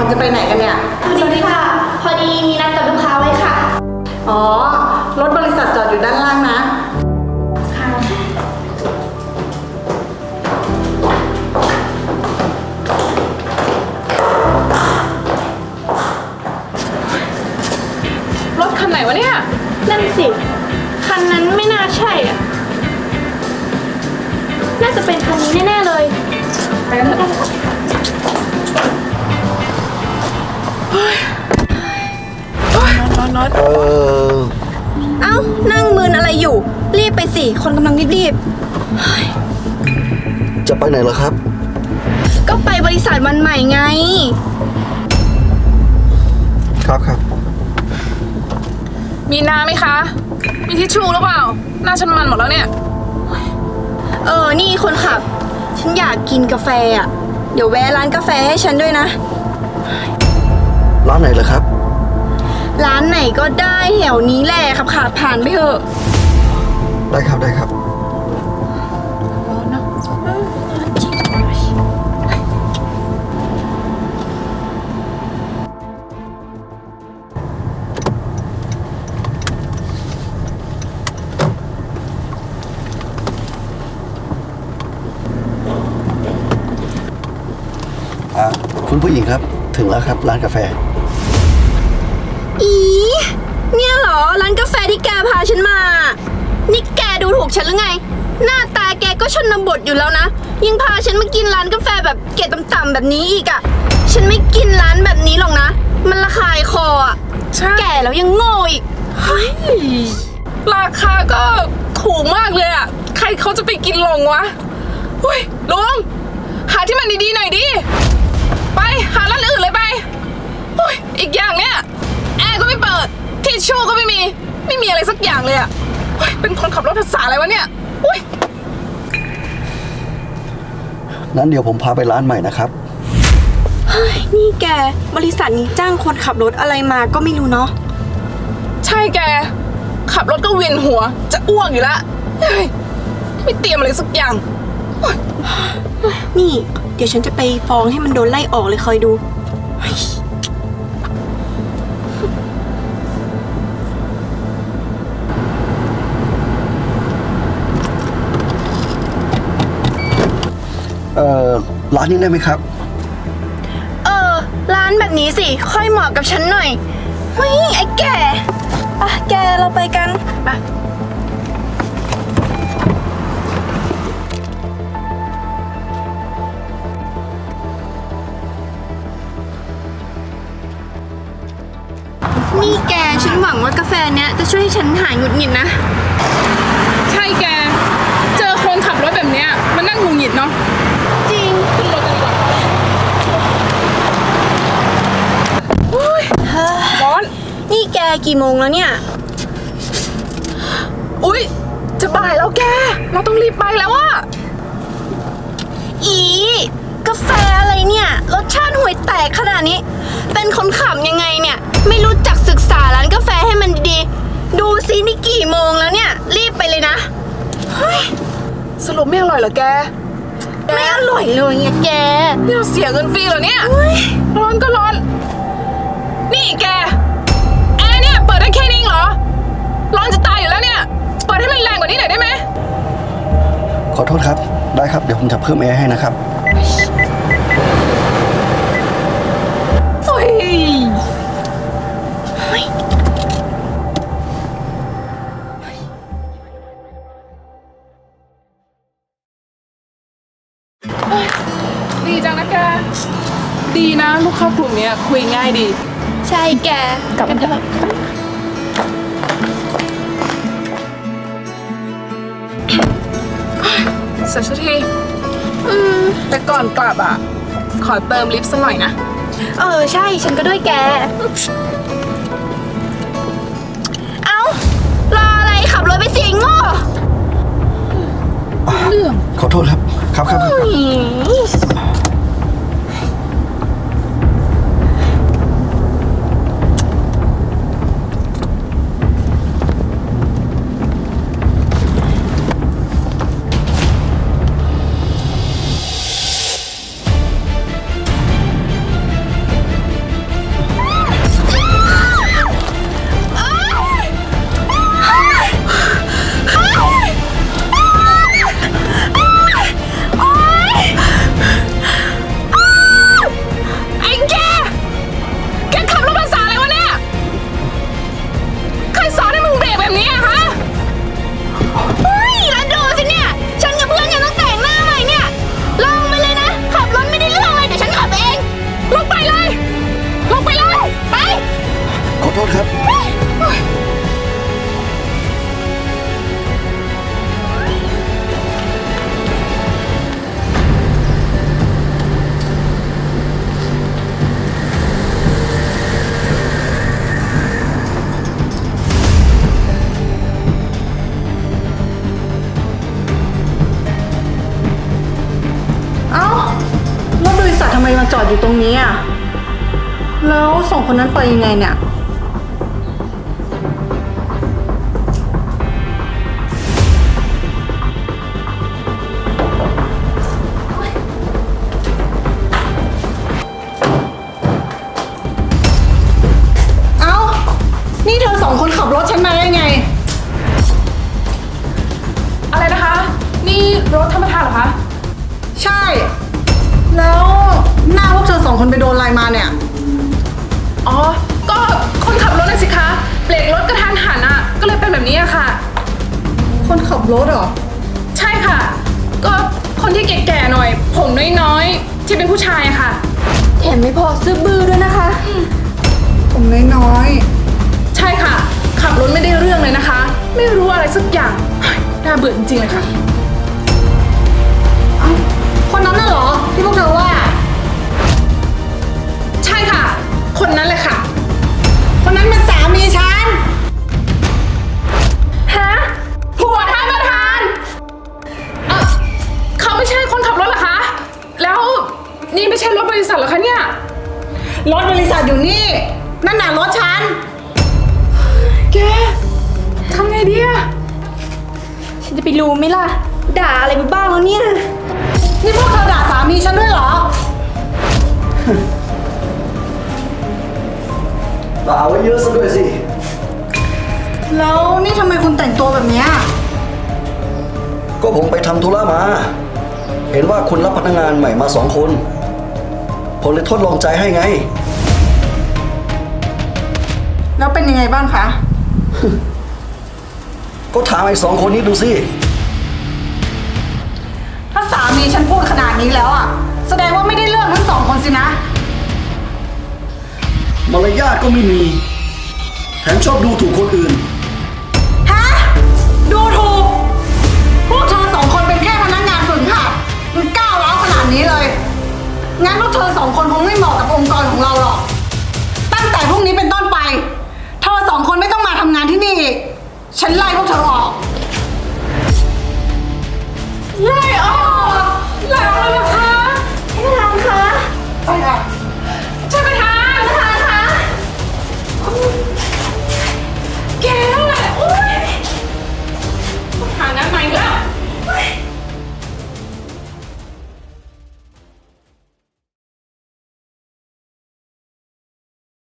จะไปไหนกันเนี่ยสวัสดีค่ะพอดีมีนัดกับลูกค้าไว้ค่ะอ๋อรถบริษัทจอดอยู่ด้านล่างนะค่ะรถคันไหนวะเนี่ยนั่นสิคันนั้นไม่น่าใช่อ่ะน่าจะเป็นคันนี้แน่ๆเลยไปกันเถอะนอนเอ้านั่งมืนอะไรอยู่รีบไปสิคนกำลังรีบจะไปไหนเหรอครับก็ไปบริษัทวันใหม่ไงครับมีน้ำไหมคะมีทิชชู่หรือเปล่าหน้าฉันมันหมดแล้วเนี่ยนี่คนขับฉันอยากกินกาแฟอ่ะเดี๋ยวแวะร้านกาแฟให้ฉันด้วยนะร้านไหนเหรอครับร้านไหนก็ได้แถวนี้แหละขับขาผ่านไปเถอะได้ครับคุณผู้หญิงครับถึงแล้วครับร้านกาแฟอีเนี่ยเหรอร้านกาแฟที่แกพาฉันมานี่แกดูถูกฉันหรือไงหน้าตาแกก็ชนบทอยู่แล้วนะยังพาฉันมากินร้านกาแฟแบบเกรดต่ำๆแบบนี้อีกอ่ะฉันไม่กินร้านแบบนี้หรอกนะมันระคายคออ่ะแก่แล้วยังโง่อีกราคาก็ถูกมากเลยอ่ะใครเขาจะไปกินลงวะอุ้ยลุงหาที่มันดีๆหน่อยดิไปหาร้านอื่นเลยไปอุ้ยอีกอย่างเนี่ยแอร์ก็ไม่เปิดทิชชู่ก็ไม่มีอะไรสักอย่างเลยอ่ะเป็นคนขับรถภาษาอะไรวะเนี่ยอุ้ยนั้นเดี๋ยวผมพาไปร้านใหม่นะครับนี่แกบริษัทนี้จ้างคนขับรถอะไรมาก็ไม่รู้เนาะใช่แกขับรถก็เวียนหัวจะอ้วกอยู่ละไม่เตรียมอะไรสักอย่างนี่เดี๋ยวฉันจะไปฟ้องให้มันโดนไล่ออกเลยคอยดูร้านนี้ได้ไหมครับร้านแบบนี้สิค่อยเหมาะกับฉันหน่อยเฮ้ยไอ้แก่แกเราไปกันนี่แกฉันหวังว่ากาแฟเนี้ยจะช่วยให้ฉันหายหงุดหงิดนะใช่แกเจอคนขับรถแบบเนี้ยมันนั่งหงุดหงิดเนาะจริงขึ้นรถกันดีกว่าร้อนนี่แกกี่โมงแล้วเนี่ยอุ๊ยจะบ่ายแล้วแกเราต้องรีบไปแล้วอะกาแฟอะไรเนี่ยรสชาติห่วยแตกขนาดนี้เป็นคนขับยังไงเนี่ยไม่รู้จักศึกษาร้านกาแฟให้มันดีๆดูซินี่กี่โมงแล้วเนี่ยรีบไปเลยนะสรุปไม่อร่อยเหรอแกไม่อร่อยเลยเนี่ยแกนี่เราเสียเงินฟรีเหรอเนี่ยร้อนก็ร้อนนี่แกแอร์เนี่ยเปิดได้แค่นี้เหรอร้อนจะตายอยู่แล้วเนี่ยเปิดให้มันแรงกว่านี้หน่อยได้ไหมขอโทษครับได้ครับเดี๋ยวผมจะเพิ่มแอร์ให้นะครับดีจังนะแกดีนะลูกค้ากลุ่มนี้คุยง่ายดีใช่แกกลับกันเถอะเสร็จสักทีแต่ก่อนกลับอ่ะขอเติมลิฟต์สักหน่อยนะใช่ฉันก็ด้วยแกรออะไรขับรถไปสิงโง่เรื่องขอโทษครับครับไมมาจอดอยู่ตรงนี้อ่ะ แล้วสองคนนั้นไปยังไงเนี่ย เอ้า นี่เธอสองคนขับรถฉันมาได้ไงอะไรนะคะ นี่รถท่านประธานเหรอคะใช่ แล้วหน้าพวกเธอสองคนไปโดนอะไรมาเนี่ยอ๋อ ก็คนขับรถน่ะสิคะ เบรกรถกระทันหันอ่ะ ก็เลยเป็นแบบนี้อะค่ะคนขับรถเหรอใช่ค่ะ ก็คนที่แก่ๆหน่อย ผมน้อยๆ ที่เป็นผู้ชายอะค่ะแถมไม่พอซื้อบื้อด้วยนะคะผมน้อยใช่ค่ะ ขับรถไม่ได้เรื่องเลยนะคะ ไม่รู้อะไรสักอย่างเฮ้ยน่าเบื่อจริงๆเลยค่ะๆเอ้าคนนั้นน่ะเหรอ ที่พวกเธอว่าใช่ค่ะ คนนั้นเลยค่ะคนนั้นเป็นสามีฉันฮะผัวท่านประธานเขาไม่ใช่คนขับรถเหรอคะ แล้วนี่ไม่ใช่รถบริษัทเหรอคะเนี่ยรถบริษัทอยู่นี่ นั่นน่ะรถฉันแกทำไงดีอะฉันจะไปรู้ไหมล่ะ ด่าอะไรมาบ้างแล้วเนี่ยนี่พวกเธอด่าสามีฉันด้วยเหรอด่าไว้เยอะซะด้วยสิแล้วนี่ทำไมคุณแต่งตัวแบบเนี้ยก็ผมไปทำธุระมา เห็นว่าคุณรับพนักงานใหม่มา2 คน ผมเลยทดลองใจให้ไงแล้วเป็นยังไงบ้างคะก็ถามไอ้2 คนนี้ดูสิถ้าสามีฉันพูดขนาดนี้แล้วอ่ะ แสดงว่าไม่ได้เลือกทั้งสองคนสินะมารยาทก็ไม่มี แถมชอบดูถูกคนอื่นฮะ ดูถูก พวกเธอสองคนเป็นแค่พนักงานฝึกหัดมันก้าวร้าวขนาดนี้เลย งั้นพวกเธอสองคนคงไม่เหมาะกับองค์กรของเราหรอก ตั้งแต่พรุ่งนี้เป็นต้นไป เธอสองคนไม่ต้องมาทำงานที่นี่อีก ฉันไล่พวกเธอออกไล่ออกแล้วเหรอคะท่านประธานคะใช่ค่ะท่านประธานคะแกนั่นแหละโอ๊ยหางานใหม่แล้ว